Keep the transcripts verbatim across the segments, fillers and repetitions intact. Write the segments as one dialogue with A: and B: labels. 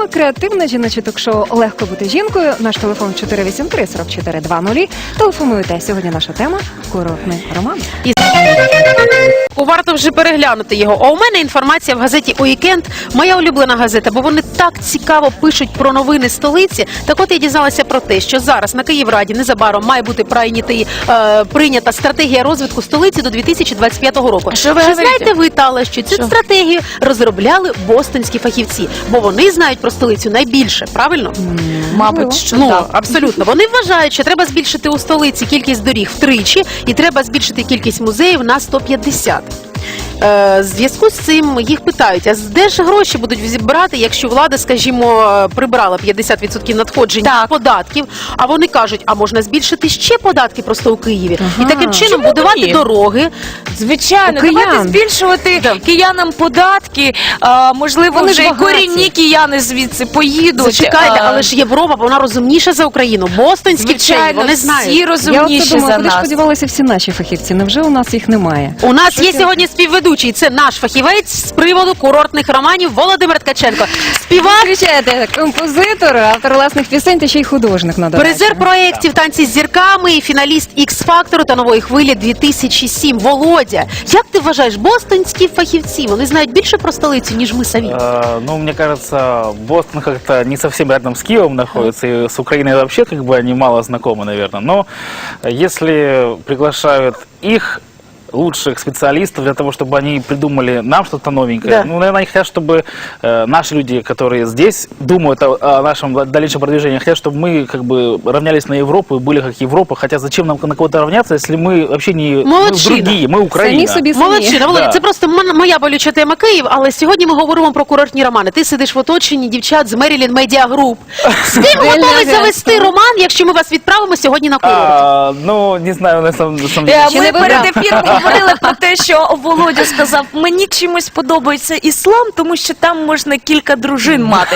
A: програма «Креативне жіноче ток-шоу «Легко бути жінкою». Наш телефон чотири вісім три сорок чотири двадцять. Телефонуйте. Сьогодні наша тема – курортний роман.
B: І... Варто вже переглянути його. А у мене інформація в газеті «Уікенд», моя улюблена газета, бо вони так цікаво пишуть про новини столиці. Так от я дізналася про те, що зараз на Київраді незабаром має бути прийнятий, е, прийнята стратегія розвитку столиці до дві тисячі двадцять п'ятого року.
C: Що ви
B: Чи
C: говорите?
B: знаєте ви, Тала, що цю
C: Що?
B: стратегію розробляли бостонські фахівці? Бо вони знають про столицю найбільше, правильно?
C: Мабуть, що
B: Ну,
C: так.
B: абсолютно. Вони вважають, що треба збільшити у столиці кількість доріг втричі і треба збільшити кількість музеїв на сто п'ятдесят. Е, в зв'язку з цим їх питають, а де ж гроші будуть зібрати, якщо влада, скажімо, прибрала п'ятдесят відсотків надходжень
C: Так.
B: податків, а вони кажуть, а можна збільшити ще податки просто у Києві.
A: Ага.
B: І таким чином
C: Чому
B: будувати
C: ні?
B: дороги.
C: Звичайно,
A: У киян.
C: давайте збільшувати
B: Да.
C: киянам податки. А, можливо,
A: Вони
C: вже
A: ж
C: і
A: багаті.
C: корінні кияни звідси поїдуть.
B: Зачекайте,
C: А,
B: але ж Європа, вона розумніша за Україну. Бостонські вчені,
C: звичайно,
B: вони
C: всі
B: знають.
A: Я оце
C: розумніші
A: думаю,
C: за
A: куди ж
C: нас.
A: подівалися всі наші фахівці? Невже у нас їх немає?
B: У нас
A: Що
B: є
A: ти-
B: сьогодні співведучий. Це наш фахівець з приводу курортних романів Володимир Ткаченко. Співак,
A: Включайте, композитор, автор власних пісень та ще й художник на додачу.
B: призер проєктів «Танці з зірками» і фіналіст «Ікс-фактору» та «Нової хвилі» дві тисячі сім. Володя, як ти вважаєш, бостонські фахівці, вони знають більше про столицю, ніж ми самі?
D: Э, Ну, мне кажется, Бостон как-то не совсем рядом с Киевом находится, и с Украиной вообще как бы они мало знакомы, наверное. Но если приглашают их, лучших специалистов, для того, чтобы они придумали нам что-то новенькое.
B: Да.
D: Ну, наверное, они хотят, чтобы э, наши люди, которые здесь думают о, о нашем дальнейшем продвижении, хотят, чтобы мы как бы равнялись на Европу и были как Европа. Хотя зачем нам на кого-то равняться, если мы вообще не мы
B: Молодчина.
D: другие, мы Украина.
A: Самі собі самі.
B: Молодчина, Володя,
D: Да.
B: це просто м- моя болюча тема Київ, але сьогодні ми говоримо про курортні романи. Ти сидиш в оточенні дівчат з Maryland Media Group. З ким готовий завести роман, якщо ми вас відправимо сьогодні на курорт?
D: А, ну, не знаю, на самом, на самом деле.
C: Е,
A: Ще
C: Ми
A: не
C: перед
A: вибрав.
C: ефіром говорили про те, що Володя сказав, мені чимось подобається іслам, тому що там можна кілька дружин мати.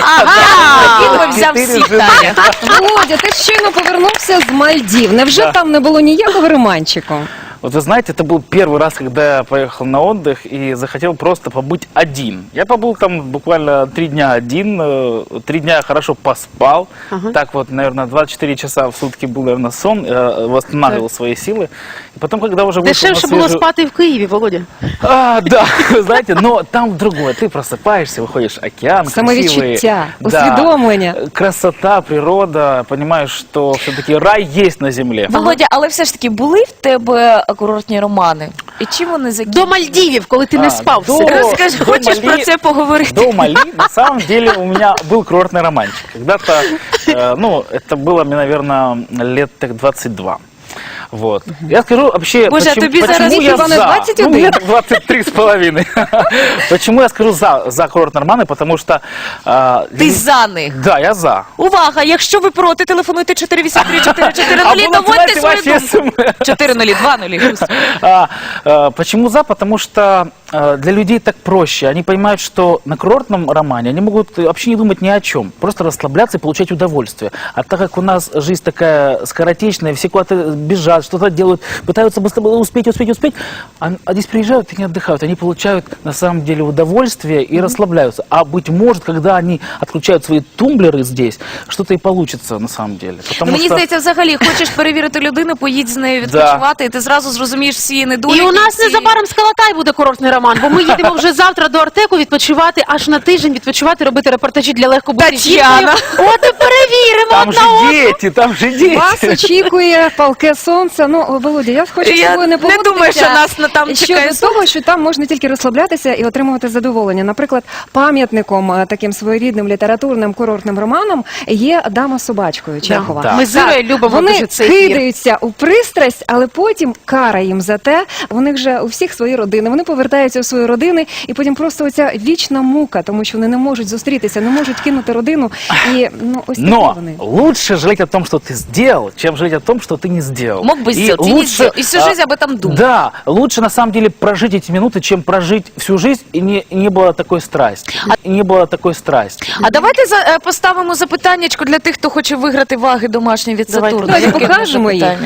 B: Ага!
C: Він взяв
D: Чотири
C: всіх,
D: жени.
C: Таня.
A: Володя, ти щойно повернувся з Мальдів. Невже
D: Да.
A: там не було ніякого романчику?
D: Вот вы знаете, это был первый раз, когда я поехал на отдых и захотел просто побыть один. Я побыл там буквально три дня один, э, три дня я хорошо поспал.
B: Ага.
D: Так вот, наверное, двадцать четыре часа в сутки был, наверное, сон, э, восстанавливал свои силы. И потом, когда уже вышел
B: Дешевше
D: на
B: було
D: свежую...
B: спати в Києві, Володя.
D: А, да, вы знаете, но там другое. Ты просыпаешься, выходишь, океан,
A: Самовідчуття,
D: красивый.
A: усвідомлення.
D: Да, красота, природа, понимаешь, что все-таки рай есть на земле.
C: Володя, але все ж таки були в тебе курортні романи? І чим вони
B: До
C: закінчилися?
B: Мальдівів, коли ти не
D: А,
B: спав.
D: до-
B: все.
C: Розкажи,
D: До
C: хочеш
D: Малі-
C: про це поговорити?
D: До Мали, на самом деле, у меня был курортный романчик. Когда-то, э, ну, это было мне, наверное, лет так двадцать два. Вот. Я скажу вообще,
C: Боже, а
D: почему,
C: тобі
D: почему
C: зараз
D: я
A: хіба не
D: за.
A: двадцать
D: Ну,
A: один?
D: мне так двадцать три с половиной. Почему я скажу за, за курортные романы? Потому что... э,
C: Ти за них.
D: Да, я за.
C: Увага, якщо ви проти, телефонуйте чотири вісім три чотири чотири нуль,
D: Або
C: доводьте
D: надсилайте
C: свою
D: ваші
C: думку.
D: ес ем ес.
C: чотири нуль два нуль.
D: А, а, почему за? Потому что а, для людей так проще. Они понимают, что на курортном романе они могут вообще не думать ни о чем. Просто расслабляться и получать удовольствие. А так как у нас жизнь такая скоротечная, все куда-то бежат, что-то делают, пытаются быстро успеть, успеть, успеть, а, а здесь приезжают и не отдыхают. Они получают на самом деле удовольствие и расслабляются. А быть может, когда они отключают свои тумблеры здесь, что-то и получится на самом деле. Потому
C: Ну, мені
D: что...
C: здається, взагалі, хочеш перевірити людину, поїдь з нею відпочивати, і ти зразу зрозумієш всі її недоліки.
B: І у нас
C: всі-
B: незабаром з Калатай буде курортний роман, бо ми їдемо вже завтра до Артеку відпочивати, аж на тиждень відпочивати, робити репортажі для легко бути
C: Тетяна.
B: жінкою. От і перевіримо
D: Там
B: одна
D: же
B: одну.
D: дети, там же дети.
A: Вас очікує палке сонце. Ну, Володя, я хочу з
C: Я
A: тобою не
C: не
A: погодитися.
C: думаю, що нас на- там
A: щодо
C: чекає
A: того, що там можна тільки розслаблятися і отримувати задоволення. Наприклад, пам'ятником е, таким своєрідним літературним курортним романом є «Дама з собачкою» Чехова.
D: Да.
B: Ми з Ірою любимо
A: Вони
B: дуже цей ефір.
A: кидаються у пристрасть, але потім кара їм за те. Вони вже у всіх свої родини. Вони повертаються у свої родини, і потім просто оця вічна мука, тому що вони не можуть зустрітися, не можуть кинути родину. І ну ось такі
D: Но
A: вони.
D: лучше жалеть о том, что ты сделал, чем жалеть о том, что ты не сделал.
C: Мог бы
D: И
C: сделать, и не сделал. И всю
D: а,
C: жизнь об этом думал.
D: Да, лучше на самом деле прожить эти минуты, чем прожить всю жизнь и не, и не было такой страсти. И не было такой страсти.
C: А давайте за, е, поставимо запитаннячко для тих, хто хоче виграти ваги домашні від
B: Давайте.
C: Сатурну.
A: Давайте
C: Яке
A: покажемо
C: наше
A: їх.
C: питання?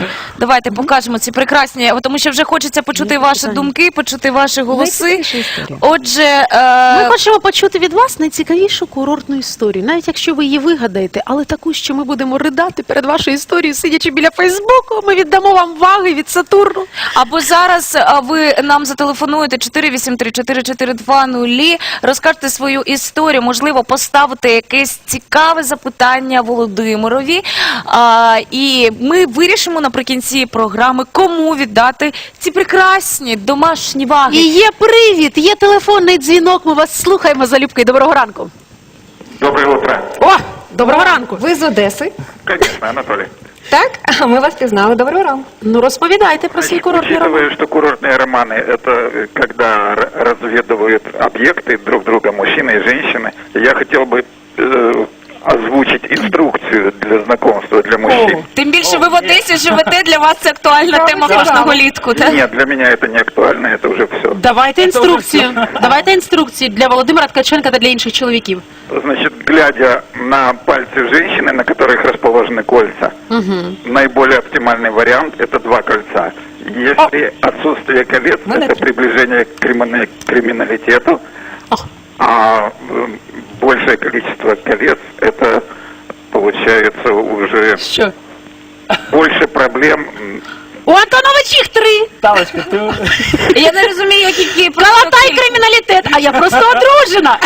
C: Давайте покажемо ці прекрасні, тому що вже хочеться почути ваші думки, почути ваші голоси.
A: Найцікавіша історія.
C: Отже,
B: Ми
C: е,
B: хочемо почути від вас найцікавішу курортну історію, навіть якщо ви її вигадаєте, але таку, що ми будемо ридати перед вашою історією, сидячи біля Фейсбуку, ми віддамо вам ваги від Сатурну.
C: або зараз а, ви нам зателефонуєте чотири вісім три чотири чотири два нуль, розкажете свою історію, можливо, поставите якесь цікаве запитання Володимирові, а, і ми вирішимо наприкінці програми, кому віддати ці прекрасні домашні ваги.
B: І є привід, є телефонний дзвінок, ми вас слухаємо, залюбки. Доброго ранку.
E: Доброе утро.
B: О, доброго ранку.
A: Ви з Одеси,
E: Конечно, Анатолий.
A: так? А ми вас пізнали. Доброго ранку.
B: Ну, розповідайте про свій курортний роман.
E: Учитывая, что курортные романы – это э, когда р- разведывают объекты друг друга, мужчины и женщины, я хотел бы э, озвучить инструкцию для знакомства для мужчин.
C: Тим більше ви в Одесі живете, для вас це актуальна
A: Правда,
C: тема
A: цікаво.
C: кожного літку, так?
E: Нет, для меня это не актуально, это уже все.
B: Давайте інструкцію. Давайте інструкцію для Володимира Ткаченка та для інших чоловіків.
E: Значит, глядя на пальцы женщины, на которых расположены кольца, наиболее оптимальный вариант – это два кольца. Если отсутствие колец –
A: Молодец.
E: это приближение к кримина- криминалитету,
B: О.
E: а э, большее количество колец – это получается уже
B: Що?
E: больше проблем. М,
B: У Антонович їх три.
D: Талочка, ты...
C: Я не розумію, які
B: Калатай криміналітет, а я просто одружена.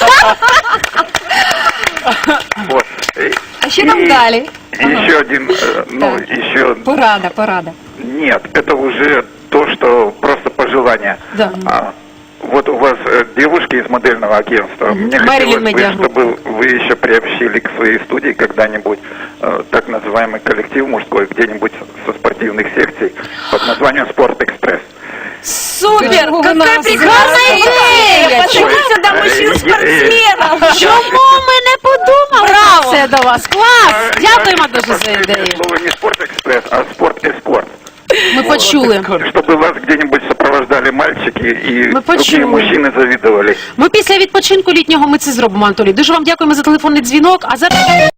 E: Вот. И-
A: А що там
E: и
A: далі?
E: Еще один, э, ну,
A: Так.
E: еще
A: Порада, порада.
E: нет, это уже то, что просто пожелание.
B: Да.
E: А, вот у вас э, девушки из модельного агентства. Мне
B: Мэрилин
E: хотелось бы,
B: Медиа Групп.
E: чтобы вы еще приобщили к своей студии когда-нибудь э, так называемый коллектив мужской, где-нибудь со спортивных секций под названием «Спорт Экспресс».
C: Супер!
A: Чого
C: Какая
A: ви нас
C: прекрасная
A: зараз
C: идея! Почему
E: Ой,
C: сюда
E: э,
C: мужчин-спортсменов?
B: Чому ми не подумали
C: Браво!
B: про це до вас? Клас!
E: Э,
B: Дякуємо
E: я
B: дуже за
E: последнее
B: ідею.
E: слово не «Спорт Экспресс», а «Спорт Эскорт».
B: Ми почули.
E: Чтобы вас где-нибудь сопровождали мальчики и
B: Мы
E: другие
B: почули.
E: мужчины завидовали.
B: Ми після відпочинку літнього ми це зробимо, Анатолій. Дуже вам дякуємо за телефонний дзвінок. А зараз